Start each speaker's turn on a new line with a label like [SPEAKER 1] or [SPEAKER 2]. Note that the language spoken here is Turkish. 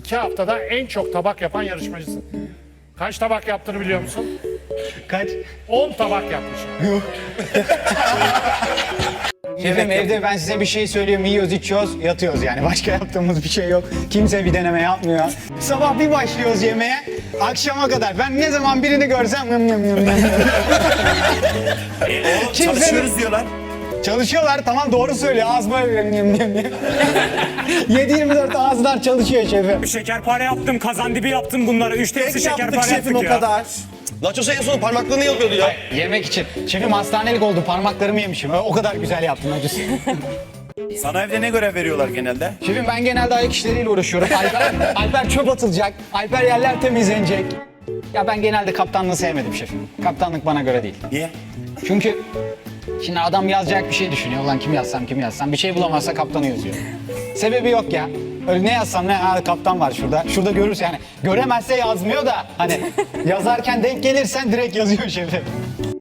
[SPEAKER 1] 2 haftada en çok tabak yapan yarışmacısın. Kaç tabak yaptığını biliyor musun?
[SPEAKER 2] Kaç?
[SPEAKER 1] 10 tabak yapmışım.
[SPEAKER 2] Şefim evde ben size bir şey söylüyorum. Yiyoruz, içiyoruz, yatıyoruz yani. Başka yaptığımız bir şey yok. Kimse bir deneme yapmıyor. Sabah bir başlıyoruz yemeğe, akşama kadar. Ben ne zaman birini görsem...
[SPEAKER 3] Çalışıyoruz diyorlar.
[SPEAKER 2] Çalışıyorlar, tamam doğru söylüyor. Ağız böyle... 7/24 ağızlar çalışıyor şefim.
[SPEAKER 4] Şekerpare yaptım, kazandibi yaptım bunları. 3 tepsi şekerpare yaptık ya.
[SPEAKER 3] Nachos'a en son parmaklarını yapıyordu ya.
[SPEAKER 2] Yemek için. Şefim hastanelik oldu, parmaklarımı yemişim. O kadar güzel yaptım acısı.
[SPEAKER 3] Sana evde ne görev veriyorlar genelde?
[SPEAKER 2] Şefim ben genelde ayak işleriyle uğraşıyorum. Alper çöp atılacak, Alper yerler temizlenecek. Ya ben genelde kaptanlığı sevmedim şefim. Kaptanlık bana göre değil.
[SPEAKER 3] Niye?
[SPEAKER 2] Çünkü şimdi adam yazacak bir şey düşünüyor. Ulan kim yazsam bir şey bulamazsa kaptanı yazıyor. Sebebi yok ya. Öyle ne yazsam ne kaptan var şurada. Şurada görürse yani göremezse yazmıyor da hani yazarken denk gelirsen direkt yazıyor şefim.